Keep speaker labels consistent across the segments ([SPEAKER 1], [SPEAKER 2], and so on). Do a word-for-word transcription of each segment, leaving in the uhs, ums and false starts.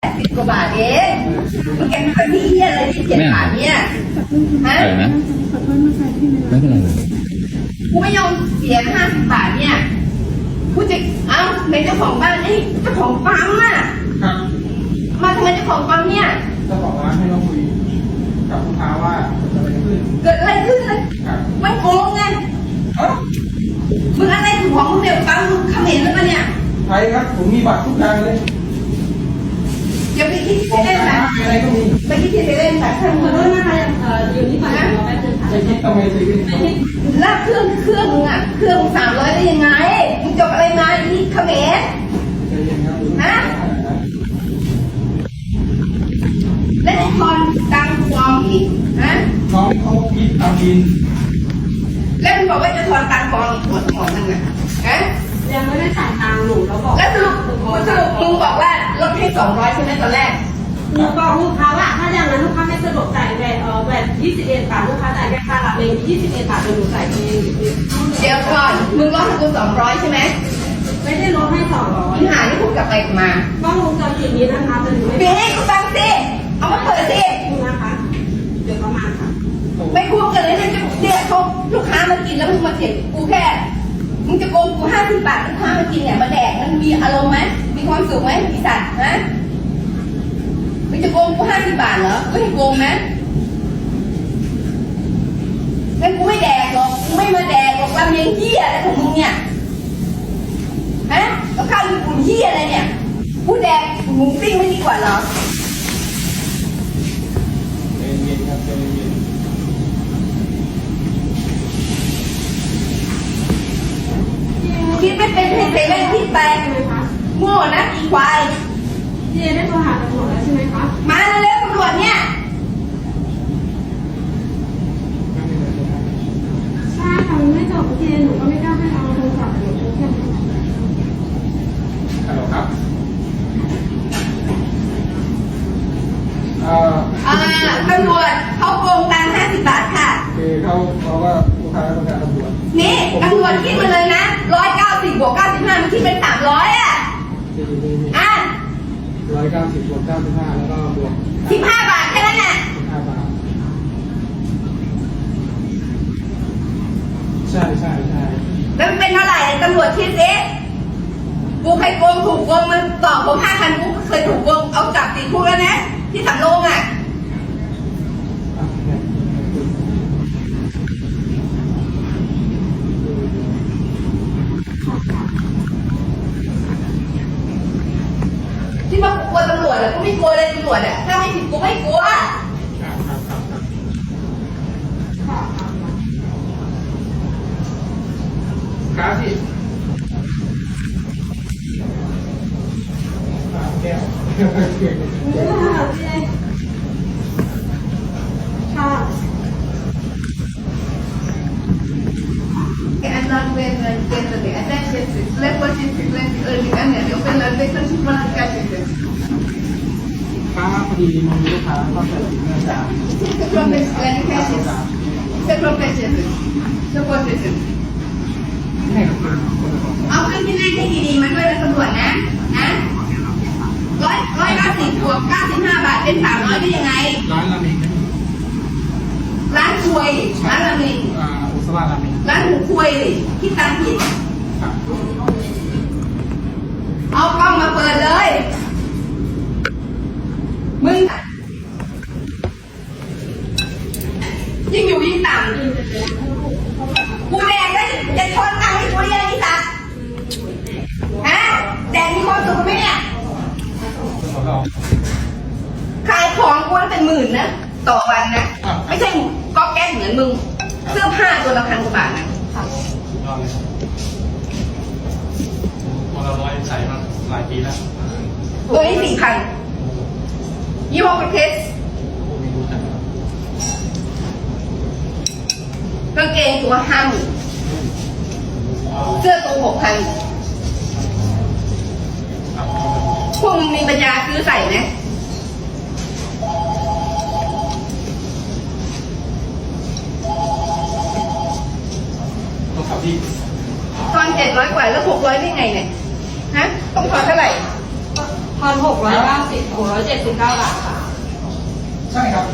[SPEAKER 1] สิบกว่าบาทเองมันแกเป็นที่เฮียอะไรที่เจ็ดบาทเนี่ยฮะ
[SPEAKER 2] อะไรนะไม่เป็นไรเลย
[SPEAKER 1] กูไม่ยอมเสียห้าสิบบาทเนี่ยกูจะเอ้าเป็นเจ้าของบ้านนี่เจ้าของปั๊มอ่ะ
[SPEAKER 3] ครับ
[SPEAKER 1] มาทำไมเจ้าของปั๊มเนี่ย
[SPEAKER 3] เจ้าของร้านให้เราคุยกับลูกค้าว่าเกิดอะไรขึ้น
[SPEAKER 1] เกิดอะไรขึ้นเลย
[SPEAKER 3] ครับ
[SPEAKER 1] มันโกงไง
[SPEAKER 3] เอ้า
[SPEAKER 1] มึงอะไรถึงของมึงเดี๋ยวปั๊มมึงเขมรแล้วปะเนี่ย
[SPEAKER 3] ใช่ครับผมมีบัตรทุกอย่างเลย
[SPEAKER 1] อย่าไปคิด
[SPEAKER 3] กร
[SPEAKER 1] ที่
[SPEAKER 3] ม
[SPEAKER 1] เล่น
[SPEAKER 3] การ
[SPEAKER 1] นะ
[SPEAKER 3] ค้าอะไรก็มี
[SPEAKER 1] ไปคิดที่เล่นแต่ถ้ามึง
[SPEAKER 4] ขอโทษนะคะเอ่ออยู่ที่ฝ่ายเราแป๊บนึงค่ะ
[SPEAKER 3] จะคิดทำไมสิพี่
[SPEAKER 4] ไม่คิด
[SPEAKER 1] ลากเครื่องเครื่องมึงอ่ะเครื่องสามร้อยได้ยังไงมึงจบอะไรมาอีเขมร
[SPEAKER 3] ใจเย็นครับ
[SPEAKER 1] ฮะ และไอ้ทอนตังฟองอีกฮะ
[SPEAKER 3] น้องเขาคิดตามบิน
[SPEAKER 1] แล้วมึงบอกว่าจะทอนตังฟองอีกหมดหมดนึงอ่ะฮะ
[SPEAKER 4] ยังไม่ได้จ่ายตังค์หนูแล้วบอก
[SPEAKER 1] แล้วสรุปสรุปมึงบอกว่าลดให้สองร้อยใช่ไหมตอนแรก
[SPEAKER 4] หนูบอกลูกค้าว่าถ้าอย่างนั้นลูกค้าไม่สะดวกจ่ายแบตเอ่อแบตยี่สิบเอ็ดบาทลูกค้าจ่ายแค่ค่ารับเองยี่สิบเอ็ดบาทเดี๋ยวหนูจ่ายเอง
[SPEAKER 1] เดี๋ยวก่อนมึงลดให้กูสองร้อยใช่ไหม
[SPEAKER 4] ไม่ได้ลดให้สองร้อย
[SPEAKER 1] มึงหาที่พูดกลับไปกลับมาก
[SPEAKER 4] ล้องวงจรปิดนี้นะคะแต่หนูไม่
[SPEAKER 1] ปี
[SPEAKER 4] ได้
[SPEAKER 1] ให้กูตังค์สิเอามาเปิดสิ
[SPEAKER 4] ดูนะคะเดี๋ยวประมาณค่ะ
[SPEAKER 1] ไม่คุ้มกันเลยนะเนี่ยเขาลูกค้ามากินแล้วมึงมาเถียงกูแค่มึงจะโกงกูห้าสิบบาทลูกค้ามากินเนี่ยมาแดกมันมีอารมณ์ไหมมีความสุขไหมอีสัตว์ฮะมึงจะโกงกูห้าสิบบาทเหรอไม่ให้โกงนะงั้นกูไม่แดกหรอกกูไม่มาแดกหรอกลำเลียงเหี้ยอะไรของมึงเนี่ยฮะแล้วข้าวญี่ปุ่นเหี้ยอะไรเนี่ยกูแดกหมูปิ้งไม่ดีกว่าเหรอ
[SPEAKER 3] ใจเย็นครับใจเย็น
[SPEAKER 1] คิดไม่เป็นให้เซเว่นคิดไป
[SPEAKER 4] ใช่ไหมคะ
[SPEAKER 1] โง่นะอีควาย
[SPEAKER 4] เจได้โทรหาตำรวจแล้วใช่ไหมคะ
[SPEAKER 1] มาเร็วๆตำรวจเนี่ย
[SPEAKER 4] ใช่ค่ะมันไม่จบเจหนูก็ไม่กล้าให้เอาโทรศัพท์หนูโทรแค่นี้
[SPEAKER 3] ฮัลโหลครับเอ่อ
[SPEAKER 1] อ่าตำรวจเขาโกงตังค์ห้าสิบบาทค่ะ
[SPEAKER 3] คือเขาเขาว่าลูกค้าต้องการตำรวจ
[SPEAKER 1] นี่ตำรวจคิดมาเลยนะร้อยเก้าสิบบวกเก้าสิบห้ามันคิดเป็นสามร้อยอ่ะ อ่ะ
[SPEAKER 3] ร้อยเก้าสิบบวกเก้าสิบห้าแล้วก็บวก
[SPEAKER 1] สิบห้าบาทแค่นั้นน่ะ
[SPEAKER 3] ห้าบาทใช่ใช่ใช่
[SPEAKER 1] แล้วมันเป็นเท่าไหร่ตำรวจคิดสิกูเคยโกงถูกโกงมันตอบผมห้าพันกูเคยถูกโกงเอาจับติดคุกแล้วนะ ที่สำโรงอ่ะ
[SPEAKER 3] อ่ะเนี่ย
[SPEAKER 1] ที่ว่ากูกลัวตำรวจอ่ะกูไม่กลัวเลยตำรวจอ่ะถ้าไม่ผิดกูไม่กลัว
[SPEAKER 3] ครับครับครับครับ
[SPEAKER 4] ค่ะ
[SPEAKER 3] ครับพี่สามแก้ว
[SPEAKER 4] นี่ค่ะเจค่ะ
[SPEAKER 1] En dan ben ik tegen de attention to let what is frequency early and then open the vacancy for the category.
[SPEAKER 3] ป้าพอดีมันมีลูกค้าเข้าใจผิดเนื่องจาก
[SPEAKER 1] The profit planning cases. The profession. The profession.
[SPEAKER 3] ให้กับคนคนละคน
[SPEAKER 1] เอาขึ้นที่หน้าที่ดีๆมาด้วยนะตำรวจนะนะร้อยร้อยเก้าสิบบวกเก้าสิบห้าบาทเป็นสามร้อยได้ยังไง
[SPEAKER 3] ร้านราเมงนะ
[SPEAKER 1] ร้านควยร้านราเมง
[SPEAKER 3] อ่าอุสลาราเมง
[SPEAKER 1] ร้านหมูควยคิดตังค์ผิด
[SPEAKER 3] ครับ
[SPEAKER 1] เอากล้องมาเปิดเลย มึงยิ่งอยู่ยิ่งต่ำกูแดกได้จะทนตังค์ให้กูยังไงสัตว์ฮะแดกมีความสุขไหมเนี่ย
[SPEAKER 3] ขอลอง
[SPEAKER 1] ขายของกูเป็นหมื่นนะต่อวันนะ ไม่ใช่ก๊อกแก๊กเหมือนมึง เสื้อผ้าตัวละพันกว่าบาทนะ
[SPEAKER 3] ลองเลยพอเราร้อยใส่มาหลายปีแล้ว
[SPEAKER 1] ตัวนี้สี่พันยี่ห้อประเทศ
[SPEAKER 3] พวกนี้รู้จัก
[SPEAKER 1] กางเกงตัวห้าหมื่นเสื้อตัวหกพันพวกมึงมีปัญญาซื้อใส่ไหม
[SPEAKER 3] ต้องขับที่
[SPEAKER 1] ตอนเจ็ดร้อยกว่าแล้วหกร้อยได้ไงเนี่ย ฮะ ต้องทอนเท่าไหร่
[SPEAKER 4] พันหกร้อยเก้าสิบสิบหกร้อยเจ็ดสิบเก้าบาทค่ะ
[SPEAKER 3] ใช่ครับ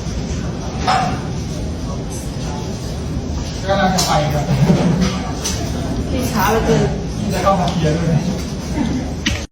[SPEAKER 3] กำลังจะไปครับ
[SPEAKER 4] ที่ช้าเหลือเกิน
[SPEAKER 3] จะเข้ามาเคลียร์ด้วย